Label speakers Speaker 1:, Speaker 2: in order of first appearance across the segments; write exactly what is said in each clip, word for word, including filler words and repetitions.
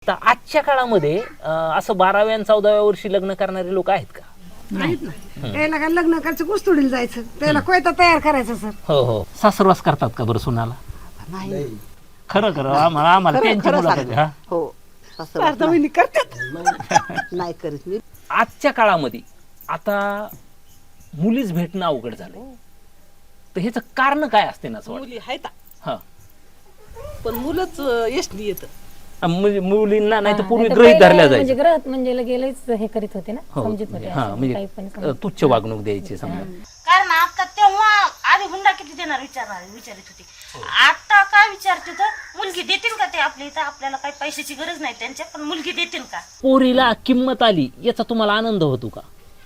Speaker 1: तर आजच्या काळामध्ये अं, असं बाराव्या आणि चौदाव्या वर्षी लग्न करणारे लोक आहेत का?
Speaker 2: नाहीत ना. त्याला काय लग्न करायचं कुस्तुडीला जायचं, त्याला कोयता तयार करायचं सर.
Speaker 1: हो हो सासरवास करतात का बरं सुनाला?
Speaker 3: नाही
Speaker 1: खरं खरं आम्हाला आम्हाला
Speaker 3: खरं-
Speaker 1: त्यांची
Speaker 3: खरं
Speaker 1: मुलाखत
Speaker 3: सांगते.
Speaker 1: द्या.
Speaker 3: हो सासरवास
Speaker 2: आता वहिनी करतात.
Speaker 3: नाही- नाही करीत मी.
Speaker 1: आजच्या काळामध्ये आता मुलीच भेटणं अवघड झालं, तर ह्याचं कारण काय असते ना असं वाटतं?
Speaker 3: मुली आहेत
Speaker 1: हा
Speaker 3: पण मुलंच यशनी येत.
Speaker 1: म्हणजे मुलींना नाही तर
Speaker 4: हा,
Speaker 1: पूर्वी
Speaker 4: नाहीतर
Speaker 1: गृहीत
Speaker 4: पहिले
Speaker 1: धरल्या
Speaker 4: म्हणजे
Speaker 1: जायचं.
Speaker 4: ग्रहत म्हणजे गेलेच हे करीत होते ना,
Speaker 1: हो
Speaker 4: समजत होते
Speaker 1: हा
Speaker 4: असं
Speaker 1: म्हणजे
Speaker 4: काही पण
Speaker 1: अं,
Speaker 4: समजत.
Speaker 1: तुच्छ वागणूक द्यायची समजा.
Speaker 5: कारण आता तेव्हा आधी हुंडा किती देणार विचारणार विचारित होती. आता काय विचारते तर मुलगी देतील का ते आपल्या इथं? आपल्याला काही पैशाची गरज नाही त्यांच्या, पण मुलगी देतील का?
Speaker 1: पोरीला किंमत आली याचा तुम्हाला आनंद होतो का?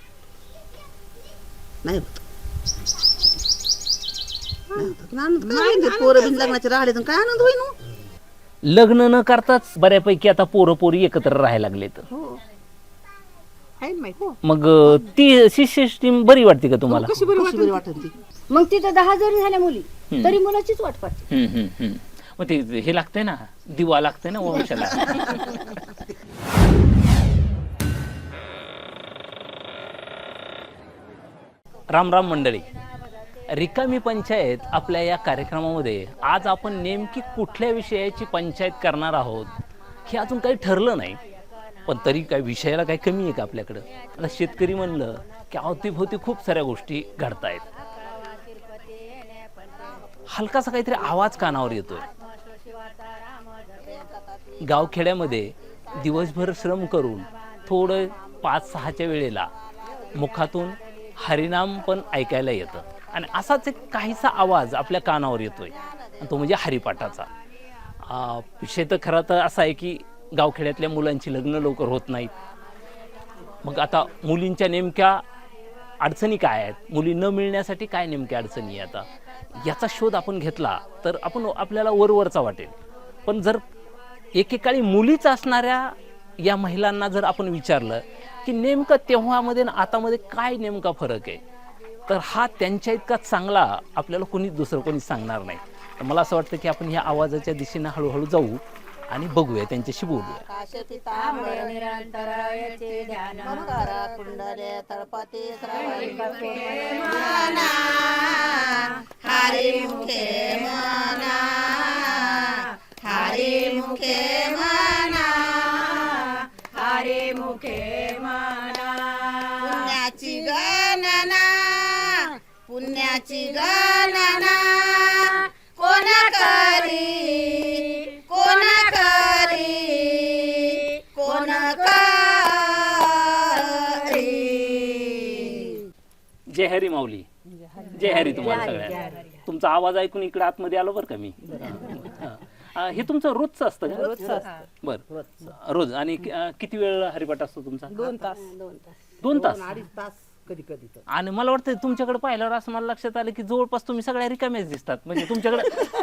Speaker 3: नाही होत. नाही होत. आनंद काय होईल? पोरं बिन लग्नाचे राहिले तर काय आनंद होईल हो?
Speaker 1: लग्न न करताच बऱ्यापैकी आता पोरं पोरी एकत्र राहायला लागले तर
Speaker 3: हो आहे ना माहिती.
Speaker 1: मग अं, ती सिस्टीम बरी वाटते का तुम्हाला?
Speaker 3: कशी बरी कशी बरी वाटत ती.
Speaker 6: मग तिथं दहा जरी झाल्या मुली तरी मुलाचीच वाट पाहते.
Speaker 1: हम्म, हम्म, हम्म. मग ते हे लागतंय ना, दिवा लागतंय ना वंशाला. राम राम मंडळी, रिकामी पंचायत आपल्या या कार्यक्रमामध्ये आज आपण नेमकी कुठल्या विषयाची पंचायत करणार आहोत हे अजून काही ठरलं नाही, पण तरी काय विषयाला काही कमी आहे का आपल्याकडं? आता शेतकरी म्हणलं की अवतीभोवती खूप साऱ्या गोष्टी घडतायत. हलकासा काहीतरी आवाज कानावर येतोय. गावखेड्यामध्ये दिवसभर श्रम करून थोडं पाच सहाच्या वेळेला मुखातून हरिनाम पण ऐकायला येतं, आणि असाच एक काहीसा आवाज आपल्या कानावर येतोय, आणि तो म्हणजे हरिपाठाचा. आ, विषय तर खरा तर असा आहे की गावखेड्यातल्या मुलांची लग्न लवकर होत नाहीत. मग आता मुलींच्या नेमक्या अडचणी काय आहेत, मुली न मिळण्यासाठी काय नेमक्या अडचणी आहे, आता याचा शोध आपण घेतला तर आपण आपल्याला वरवरचा वाटेल. पण जर एकेकाळी मुलीच असणाऱ्या या महिलांना जर आपण विचारलं की नेमकं तेव्हामध्ये आणि आतामध्ये काय नेमका फरक आहे, तर हा त्यांच्या इतका चांगला आपल्याला कोणी दुसरं कोणी सांगणार नाही. तर मला असं वाटतं की आपण ह्या आवाजाच्या दिशेनं हळूहळू जाऊ आणि बघूया, त्यांच्याशी बोलूया.
Speaker 3: काशती तांबडे निरंतरायचे ध्यान मकरा कुंडले तळपाते श्रावणी मना हरी मुखे मना हरी मुखे मना हरी मुखे मना पुण्याची गणना पुण्याची गणना कोण करी कोण करी कोण करी.
Speaker 1: जय हरी माऊली, जय हरी तुम्हाला सगळ्यांना. तुमचा आवाज ऐकून इकडे आतमध्ये आलो बरं का मी. हा. हे तुमचं रोजचं असतं का? रोजचं. बरं रोज. आणि कि- अं, किती वेळ हरिपाठ असतो तुमचा?
Speaker 3: दोन तास
Speaker 1: दोन तास.
Speaker 3: अडीच तास कधी कधी तर.
Speaker 1: आणि मला वाटतं तुमच्याकडे पाहिल्यावर असं मला लक्षात आलं की जवळपास तुम्ही सगळ्या रिकाम्याच दिसतात. म्हणजे तुमच्याकडे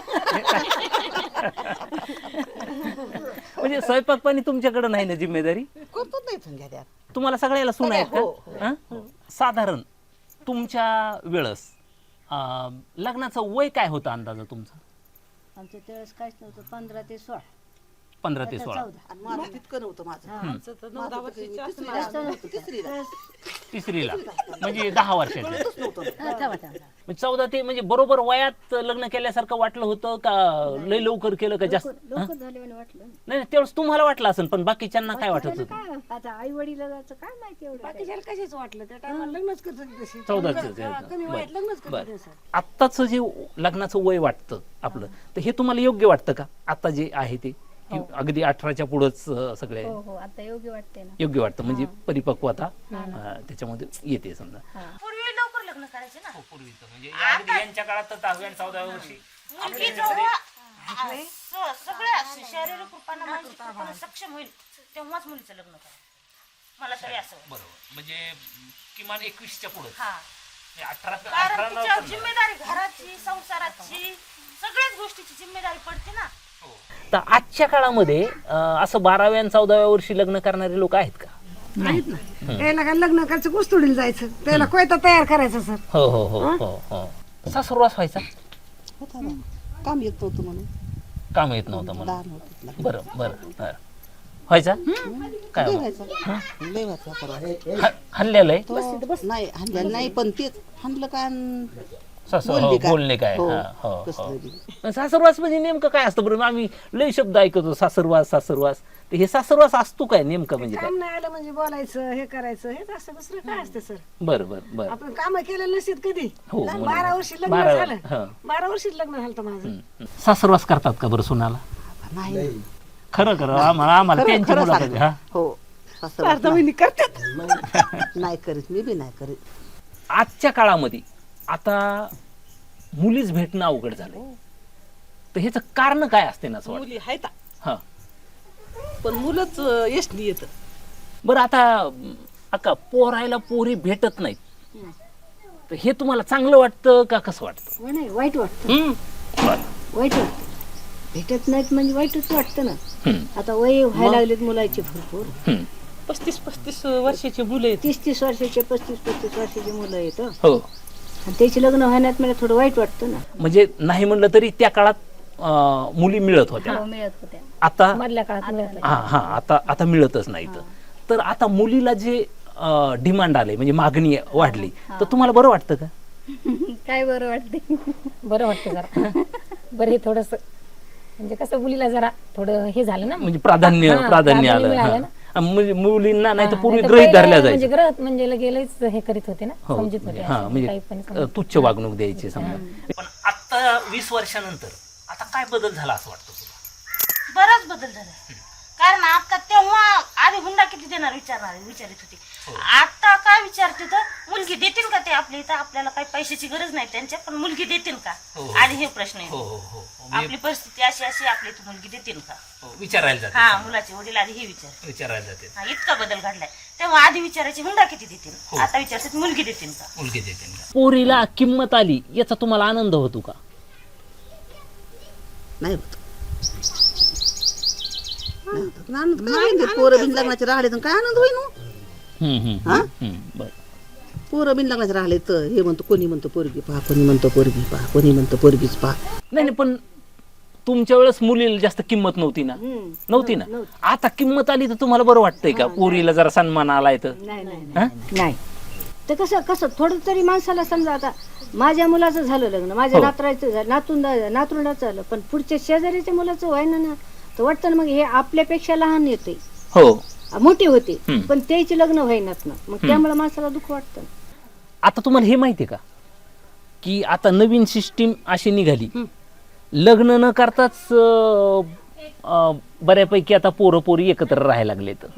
Speaker 1: म्हणजे स्वयंपाक पाणी तुमच्याकडे नाही ना जिम्मेदारी?
Speaker 3: करतो नाही संध्या त्यात.
Speaker 1: तुम्हाला सगळ्याला सून आहेत
Speaker 3: हो,
Speaker 1: का? हं? साधारण तुमच्या वेळेस अं, लग्नाचं वय काय होतं अंदाजा तुमचा?
Speaker 6: आमच्या त्यावेळेस काहीच नव्हतं, पंधरा ते सोळा
Speaker 1: पंधरा ते सोळा.
Speaker 6: चौदा
Speaker 3: आणि माझं तितकं नव्हतं माझं. माझं तिसरीला होतं, तिसरीला.
Speaker 1: तिसरीला म्हणजे दहा वर्षाचे.
Speaker 3: कळतच नव्हतं.
Speaker 6: हा, थांबा, थांबा.
Speaker 1: म्हणजे चौदा ते म्हणजे बरोबर वयात लग्न केल्यासारखं वाटलं होतं का लय लवकर केलं का जास्त? हं?
Speaker 6: लवकर झाले म्हणे वाटलं.
Speaker 1: नाही नाही, त्यावेळेस तुम्हाला वाटलं असेल, पण बाकीच्यांना काय वाटत होतं?
Speaker 6: काय आता आई वडिलाचं काय माहिती एवढं.
Speaker 2: बाकीच्याला कशाच वाटलं त्या टायमाला लग्नच करत होती तशी.
Speaker 1: चौदाच
Speaker 2: कमी वयात लग्नच करत होती सर.
Speaker 1: आत्ताच जे लग्नाचं वय वाटतं आपलं, तर हे तुम्हाला योग्य वाटतं का आता जे आहे ते, की अगदी अठराच्या पुढंच अं, सगळे
Speaker 4: हो हो आता योग्य वाटते ना.
Speaker 1: योग्य वाटतं? म्हणजे परिपक्वता अं, त्याच्यामध्ये येते समजा.
Speaker 5: पूर्वी लवकर लग्न करायचे ना.
Speaker 1: म्हणजे अगदी यांच्या काळात तर दहाव्या आणि चौदाव्या वर्षी
Speaker 5: मुलगी जेव्हा आ, स- सगळ्या शारीरिक रूपानं मानसिक रूपानं सक्षम होईल तेव्हाच मुलीचं लग्न करायचं, मला तरी असं वाटतं.
Speaker 1: बरोबर. म्हणजे किमान एकवीसच्या पुढे.
Speaker 5: हा,
Speaker 1: अठरा
Speaker 5: कारण तिच्यावर जिम्मेदारी घराची, संसाराची, सगळ्याच गोष्टीची जिम्मेदारी पडते ना.
Speaker 1: तर आजच्या काळामध्ये अं, असं बाराव्या आणि चौदाव्या वर्षी लग्न करणारे लोक आहेत का?
Speaker 2: नाहीत ना. त्याला काय लग्न करायचं कुस्तुडीला जायचं, त्याला कोयता तयार करायचा सर.
Speaker 1: हो हो हो हो हो. सासुरवास व्हायचा?
Speaker 3: होता ना. काम येत नव्हतं म्हणून.
Speaker 1: काम येत नव्हतं म्हणून.
Speaker 3: लहान होतं.
Speaker 1: बरं बरं बरं. व्हायचा काय
Speaker 3: लय
Speaker 1: हो?
Speaker 3: व्हायचा. लय व्हायचा परवा.
Speaker 1: हा- हल्ल्याला आहे
Speaker 3: तो नाही हाणलेलं नाही पण तेच हाणलं काय अन
Speaker 1: सासू
Speaker 3: बोलली
Speaker 1: हो,
Speaker 3: काय?
Speaker 1: बोलले काय
Speaker 3: हो,
Speaker 1: हा, हो,
Speaker 3: कसलं
Speaker 1: हो.
Speaker 3: बी.
Speaker 1: सासरवास म्हणजे नेमकं काय असतं बरं आम्ही लय शब्द ऐकतो सासरवास सासरवास तर हे सासरवास असतो काय नेमकं म्हणजे काय
Speaker 2: काम नाही आलं म्हणजे बोलायचं हे करायचं हेच असतं दुसरं काय असतं सर
Speaker 1: बरं बरं बरं
Speaker 2: आपण काम केलेलं नसत कधी
Speaker 1: हो,
Speaker 2: लग्न-
Speaker 1: बरोबर.
Speaker 2: बारा वर्षी लग्न
Speaker 1: बारा-
Speaker 2: झालं
Speaker 1: हं.
Speaker 2: बारा वर्षीच लग्न झालं होतं माझं
Speaker 1: हं. सासरवास करतात का बरं सुनाला
Speaker 3: नाही
Speaker 1: खरं खरं आम्हाला आम्हाला
Speaker 3: खरं-
Speaker 1: त्यांची
Speaker 3: खरं
Speaker 1: मुलाखत
Speaker 3: सांगते.
Speaker 1: हा
Speaker 3: हो सासरवास
Speaker 2: अर्धा महिने करतात
Speaker 3: नाही नाही करीत मी बी नाही करीत
Speaker 1: आजच्या काळामध्ये आता मुलीच भेटणं अवघड झालंय तर ह्याचं कारण काय असते ना असं वाटतं
Speaker 7: मुली आहेत
Speaker 1: हा
Speaker 7: पण मुलंच यशनी येत
Speaker 1: बरं आता अं, अक्का पोरायला पोरी भेटत नाहीत तर हे तुम्हाला चांगलं वाटतं का कसं वाटतं
Speaker 6: हो नाही वाईट वाटतं
Speaker 1: हं. बरं.
Speaker 6: वाईट वाटतं भेटत नाहीत म्हणजे वाईटच वाटतं ना
Speaker 1: हं.
Speaker 6: आता वय व्हायला लागलेत मुलाचे भरपूर
Speaker 1: हं.
Speaker 7: पस्तीस पस्तीस वर्षाची मुलं आहेत
Speaker 6: तीस तीस वर्षाचे पस्तीस पस्तीस वर्षाची मुलं आहेत हं.
Speaker 1: हो
Speaker 6: आणि त्याचे लग्न होण्यात मला थोडं वाईट वाटतं ना
Speaker 1: म्हणजे नाही म्हणलं तरी त्या काळात अं, मुली मिळत होत्या
Speaker 4: हो, मिळत होत्या
Speaker 1: आता
Speaker 4: मधल्या काळात मिळत होत्या.
Speaker 1: हा हा आता आता मिळतच नाही तर तर आता मुलीला जे डिमांड आले म्हणजे मागणी वाढली तर तुम्हाला बरं वाटतं का
Speaker 4: काय बरं वाटते बरं वाटतं जरा बरं हे थोडस म्हणजे कसं मुलीला जरा थोडं हे झालं ना
Speaker 1: म्हणजे प्राधान्य
Speaker 4: हा,
Speaker 1: प्राधान्य
Speaker 4: प्राधान्य
Speaker 1: आलं
Speaker 4: मिळालं
Speaker 1: हा.
Speaker 4: ना.
Speaker 1: आणि मुली- मुलींना नाही तर
Speaker 4: हा,
Speaker 1: पूर्वी
Speaker 4: नाहीतर
Speaker 1: ग्रहित
Speaker 4: पहिलं
Speaker 1: धरल्या
Speaker 4: म्हणजे
Speaker 1: जायचं
Speaker 4: ग्रहत म्हणजे गेलेच हे करीत होते ना
Speaker 1: हो
Speaker 4: समजत होते
Speaker 1: हा
Speaker 4: असं
Speaker 1: म्हणजे
Speaker 4: काही पण
Speaker 1: अ,
Speaker 4: समजत
Speaker 1: तुच्छ वागणूक द्यायची समजा पण आता वीस वर्षानंतर आता काय बदल झाला असं वाटतं तुला
Speaker 5: बराच बदल झाला कारण आता तेव्हा आधी हुंडा किती देणार विचारणार विचारित होती आता काय विचारते तर मुलगी देतील का ते आपल्या इथं आपल्याला काही पैशाची गरज नाही त्यांच्या पण मुलगी देतील का
Speaker 1: हो.
Speaker 5: आधी हे प्रश्न
Speaker 1: हो
Speaker 5: येतो
Speaker 1: हो हो हो.
Speaker 5: आपली परिस्थिती अशी अशी आपल्या इथं मुलगी देतील का
Speaker 1: हो, विचारायला जाते
Speaker 5: हा
Speaker 1: समजा.
Speaker 5: मुलाचे वडील आधी हे विचार
Speaker 1: विचारायला जाते
Speaker 5: हा इतका बदल घडलाय तेव्हा आधी विचारायचे हुंडा किती
Speaker 1: हो.
Speaker 5: देतील आता विचारतात मुलगी देतील का
Speaker 1: मुलगी देते पोरीला किंमत आली याचा तुम्हाला आनंद होतो का
Speaker 3: नाही होत नाही होत. पण आनंद काय होईल? पोरं बिन लग्नाचे राहिले तर काय आनंद होईल हो?
Speaker 1: हम्म, हम्म,
Speaker 3: हा?
Speaker 1: हम्म, बरं.
Speaker 3: पोरं बिन लग्नाचे राहिले तर हे म्हणतो कोणी म्हणतो पोरगी पहा कोणी म्हणतो पोरगी पहा कोणी म्हणतो पोरगीच पहा
Speaker 1: नाही नाही पण तुमच्या वेळेस मुलीला जास्त किंमत नव्हती ना नव्हती ना आता किंमत आली तर तुम्हाला बरं वाटतंय का पोरीला जरा सन्मान आलाय तर
Speaker 6: नाही नाही
Speaker 1: हा?
Speaker 6: नाही तर कसं कसं थोडं तरी माणसाला समजा आता माझ्या मुलाचं झालं लग्न माझ्या
Speaker 1: हो.
Speaker 6: नातराचं झालं नातून नातरुंडाचं झालं पण पुढच्या शेजारीच्या मुलाचं व्हायना ना तर वाटतं ना मग हे आपल्यापेक्षा लहान येते
Speaker 1: हो
Speaker 6: मोठे होते
Speaker 1: हम्म.
Speaker 6: पण त्याचे लग्न व्हायनात ना मग त्यामुळे माणसाला दुःख वाटतं
Speaker 1: आता तुम्हाला हे माहितीये का की आता नवीन सिस्टीम अशी निघाली लग्न न करताच अं, अं, बऱ्यापैकी आता पोरं पोरी एकत्र राहायला लागले तर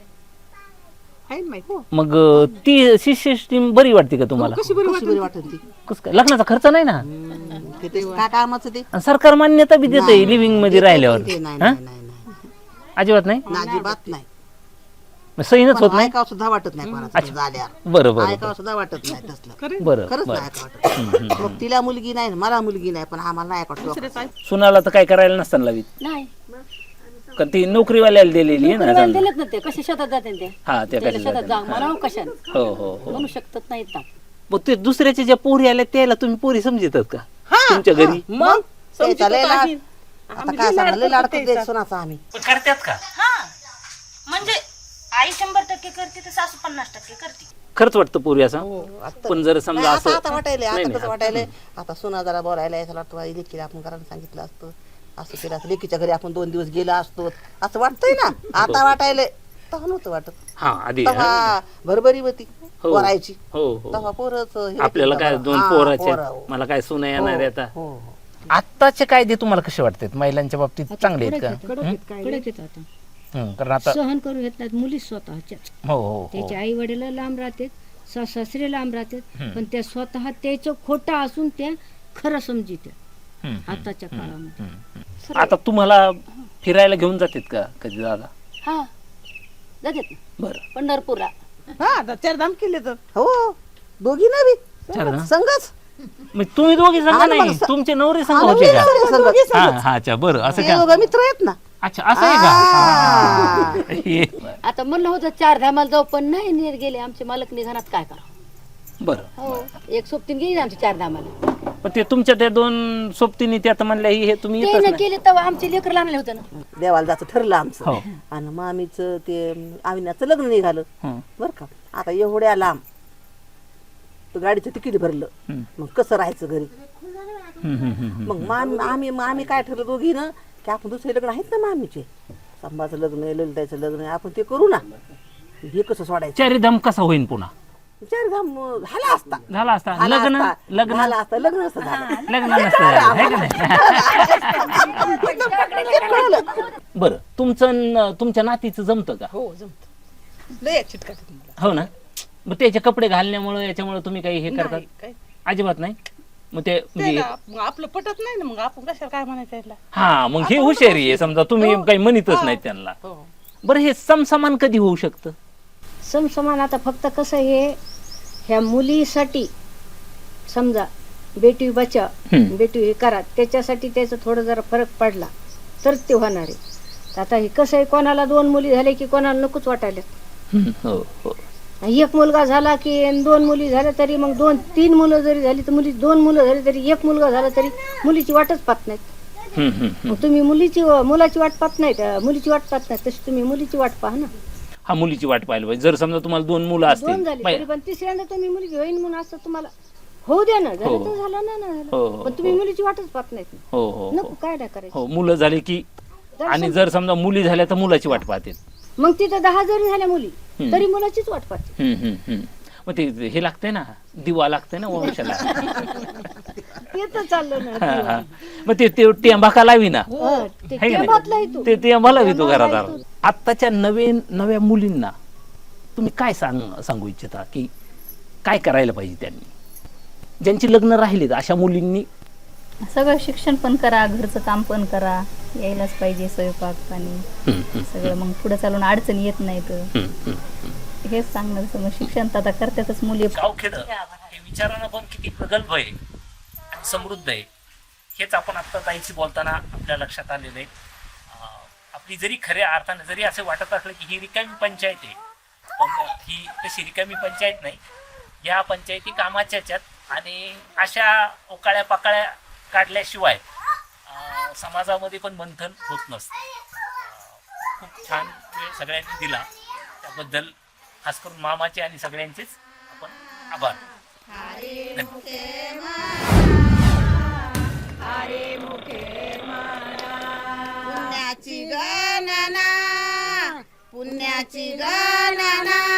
Speaker 7: आहे ना माहिती
Speaker 1: मग अं, ती सिस्टीम बरी वाटते का तुम्हाला
Speaker 3: कशी बरी वाटत ती
Speaker 1: कसं काय लग्नाचा खर्च नाही ना
Speaker 3: ते ते काय कामाचं ते
Speaker 1: आणि सरकार मान्यता बी देते लिव्हिंग मध्ये राहिल्यावर
Speaker 3: ते नाही
Speaker 1: हा?
Speaker 3: नाही नाही नाही.
Speaker 1: अजिबात नाही
Speaker 3: अजिबात नाही
Speaker 1: मग सहीनच होत नाही
Speaker 3: ऐकावं सुद्धा वाटत नाही कोणाचं झाल्यावर
Speaker 1: बरं बरं
Speaker 3: ऐकावं सुद्धा वाटत नाही तसलं
Speaker 1: बरं
Speaker 3: खरंच
Speaker 1: बरं
Speaker 3: नाही ऐकावं वाटत मग तिला मुलगी नाही मला मुलगी नाही पण आम्हाला नाही ऐकवत
Speaker 1: सुनाला तर काय करायला नसताना लावीत
Speaker 6: नाही
Speaker 1: का ती नोकरीवाल्याला दिलेली आहे ना समजा.
Speaker 6: दिलेत ना ते कसे शेतात जाते ते
Speaker 1: हा त्या
Speaker 6: त्याला शेतात जा
Speaker 1: कशा
Speaker 6: मला कशा
Speaker 1: हो हो हो
Speaker 6: म्हणू शकतात नाहीत ना
Speaker 1: मग ते दुसऱ्याच्या ज्या पोरी आल्या त्याला तुम्ही पोरी समजतात का तुमच्या घरी
Speaker 7: मग
Speaker 3: त्याचा लय लाड आता काय सांगणार लय लाड करते सोनाचा आम्ही
Speaker 1: करतात का
Speaker 5: हा म्हणजे आई शंभर टक्के करते तर सासू पन्नास टक्के करते
Speaker 1: खरंच वाटतं पोरी असं पण जर
Speaker 3: नाही,
Speaker 1: समजा
Speaker 3: आता
Speaker 1: असं
Speaker 3: आता वाटायलंय
Speaker 1: नाही,
Speaker 3: आता
Speaker 1: नाही,
Speaker 3: कसं वाटायलंय आता सोना जरा बोलायला यायला वाटतं बाई, लेकीला आपण करायला सांगितलं असतं असं केलं असतं लेकीच्या घरी आपण दोन दिवस गेला असतो असं वाटतंय ना आता वाटायलंय तेव्हा नव्हतं वाटत
Speaker 1: हा आधी
Speaker 3: तेव्हा भरभरी होती
Speaker 1: हो.
Speaker 3: पोरायची
Speaker 1: हो हो
Speaker 3: तेव्हा पोरच हे
Speaker 1: आपल्याला
Speaker 3: केलं
Speaker 1: काय
Speaker 3: तेव्हा.
Speaker 1: दोन
Speaker 3: हा,
Speaker 1: पोराचे
Speaker 3: पोरं, हो.
Speaker 1: मला काय सुना येणार आहे आता
Speaker 3: हो, हो.
Speaker 1: आत्ताचे कायदे तुम्हाला कसे वाटतात महिलांच्या बाबतीत चांगले आहेत का
Speaker 6: कडक येत आता
Speaker 1: हं, कारण आता
Speaker 6: सहन करू घेत नाहीत मुली स्वतःच्या
Speaker 1: हो हो हो
Speaker 6: त्याचे आई वडील लांब राहतात सास सासरे लांब राहतात पण त्या स्वतः त्याचं खोटं असून त्या खरं समजित
Speaker 1: हं,
Speaker 6: आताच्या काळामध्ये
Speaker 1: आता तुम्हाला फिरायला घेऊन जातात का कधी दादा
Speaker 6: हा जातात ना
Speaker 1: बरं
Speaker 6: पंढरपूरला
Speaker 7: हा आता चारधाम केले तर
Speaker 3: हो दोघी ना बी
Speaker 1: चार ना?
Speaker 3: संघच
Speaker 1: मग तुम्ही दोघी संघ
Speaker 3: हा ना,
Speaker 1: नाही
Speaker 3: मग स-
Speaker 1: तुमचे नवरे संघ
Speaker 3: हा,
Speaker 1: होते का
Speaker 3: नवरे संघ.
Speaker 1: हा हा अच्छा बरं असं
Speaker 3: ते
Speaker 1: का
Speaker 3: दोघं मित्र आहेत ना
Speaker 1: अच्छा असं आहे का हे,
Speaker 6: आता म्हणलं होतं चार धामाला जाऊ पण नाही नीट गेले आमचे मालक निघाणात काय करा
Speaker 1: बरं
Speaker 6: हो एक सोबतीन गेली आमची चार धामाला
Speaker 1: पण ते तुमच्या त्या दोन सोबतीने ते आता म्हणल्या ही हे तुम्ही
Speaker 4: ते
Speaker 1: येतच
Speaker 4: ना
Speaker 1: नाही.
Speaker 4: केले तेव्हा आमचे लेकर लागले होते ना.
Speaker 3: देवाला जायचं ठरलं
Speaker 1: हो.
Speaker 3: आमचं आणि मामीचं ते आविनाचं लग्न निघालं
Speaker 1: हं.
Speaker 3: बरं का. आता एवढ्या लांब तर गाडीचं तिकीट भरलं
Speaker 1: हं.
Speaker 3: मग कसं राहायचं घरी.
Speaker 1: हं, हं, हं, हं.
Speaker 3: मग मामी आम्ही आम्ही काय ठरलं दोघी ना की आपण दुसरे लग्न आहेत ना मामीचे, संभाचं लग्न आहे, ललिताचं लग्न आहे, आपण ते करू ना. हे कसं सोडायचं.
Speaker 1: चारीधाम कसा होईन पुन्हा
Speaker 3: चार धाम झाला असता
Speaker 1: झाला असता
Speaker 3: झाला
Speaker 1: लग्न
Speaker 3: असता.
Speaker 1: लग्न
Speaker 3: झाला असता लग्न नसतं झालं.
Speaker 1: लग्न नसतं झालं, है का नाही? बरं तुमचं न- तुमच्या नातीचं जमतं का?
Speaker 7: हो जमत लय चिटकाट मला
Speaker 1: हो ना. मग त्याचे कपडे घालण्यामुळे याच्यामुळे तुम्ही काही हे करतात?
Speaker 7: नाही, काय
Speaker 1: अजिबात नाही. मग ते म्हणजे
Speaker 7: त्याला मग आपलं पटत नाही ना, मग आपण कशाला काय म्हणायचं याला.
Speaker 1: हा मग हे हुशारी आहे समजा तुम्ही काही म्हणतच नाही त्यांना.
Speaker 7: हो
Speaker 1: बरं हे समसमान कधी होऊ शकतं?
Speaker 6: समसमान आता फक्त कसं हे ह्या मुलीसाठी समजा बेटी बचाव
Speaker 1: हम्म.
Speaker 6: बेटी हे करा त्याच्यासाठी त्याचा थोडं जरा फरक पडला तर ते होणार आहे. तर आता हे कसं आहे कोणाला दोन मुली झाले की कोणाला नकोच वाटायला.
Speaker 1: हम्म, हो हो
Speaker 6: एक मुलगा झाला की अन दोन मुली झाल्या तरी मग दोन तीन मुलं जरी झाली तर मुली दोन मुलं झाली तरी एक मुलगा झाला तरी मुलीची वाटच पाहत नाहीत.
Speaker 1: हम्म, हम्म, हम्म.
Speaker 6: मग तुम्ही मुलीची मुलाची वाट पाहत नाहीत मुलीची वाट पाहत नाही तशी तुम्ही मुलीची वाट पाहा ना.
Speaker 1: हा मुलीची वाट पाहिली पाहिजे. जर समजा तुम्हाला दोन मुलं
Speaker 6: दोन
Speaker 1: असतील
Speaker 6: झाली
Speaker 1: पाहि-
Speaker 6: तरी पण तिसऱ्यांदा तुम्ही मुलगी होईन म्हणून असं तुम्हाला होऊ द्या ना. झालं तर झालं ना ना
Speaker 1: हो,
Speaker 6: झालं
Speaker 1: हो,
Speaker 6: पण तुम्ही मुलीची वाटच पाहत नाहीत.
Speaker 1: हो हो
Speaker 6: नको
Speaker 1: हो
Speaker 6: काय नाही करायचं.
Speaker 1: हो मुलं झाली की
Speaker 6: जर
Speaker 1: आणि
Speaker 6: सम-
Speaker 1: जर समजा मुली झाल्या तर मुलाची वाट पाहते.
Speaker 6: मग तिथं दहा जरी झाल्या मुली
Speaker 1: हम्म.
Speaker 6: तरी मुलाचीच वाट पाहते.
Speaker 1: हम्म, हम्म, हम्म. मग ते हे लागतंय ना दिवा लागतंय ना वंशाला.
Speaker 6: ते तर चाललं ना.
Speaker 1: हा, हा. मग ते ते टेंबा का लावी ना
Speaker 6: हं, ते
Speaker 1: है का नाही?
Speaker 6: टेंभातलं आहे तू.
Speaker 1: ते टेंबा लावी तो
Speaker 6: टेंबा
Speaker 1: घरात
Speaker 6: लावी
Speaker 1: आत्ताच्या नवीन नव्या मुलींना तुम्ही काय सांग सांगू इच्छिता की काय करायला पाहिजे त्यांनी, ज्यांची लग्न राहिलीत अशा मुलींनी?
Speaker 8: सगळं शिक्षण पण करा, घरचं काम पण करा, यायलाच पाहिजे स्वयंपाक पाणी
Speaker 1: हम्म, हम्म,
Speaker 8: सगळं. मग पुढे चालून अडचणी येत नाहीत.
Speaker 1: हम्म, हम्म.
Speaker 8: हेच सांगणार. मग शिक्षण तर आता करतातच मुली.
Speaker 1: गावखेड हे विचारानं पण किती प्रगल्भ आहे आणि समृद्ध आहे हेच आपण आत्ता ताईशी बोलताना आपल्या लक्षात आलेलं आहे. अं, आपली जरी खऱ्या अर्थाने जरी असं वाटत असलं की ही रिकामी पंचायत आहे, पण ही तशी रिकामी पंचायत नाही. या पंचायती कामाच्या ह्याच्यात आणि अशा ओकाळ्या पाकाळ्या काढल्याशिवाय अं, समाजामध्ये पण मंथन होत नसतं. अं, खूप छान वेळ सगळ्यांनी दिला त्याबद्दल खास करून मामाचे आणि सगळ्यांचेच आपण आभार.
Speaker 3: पुण्याची गणना पुण्याची गणना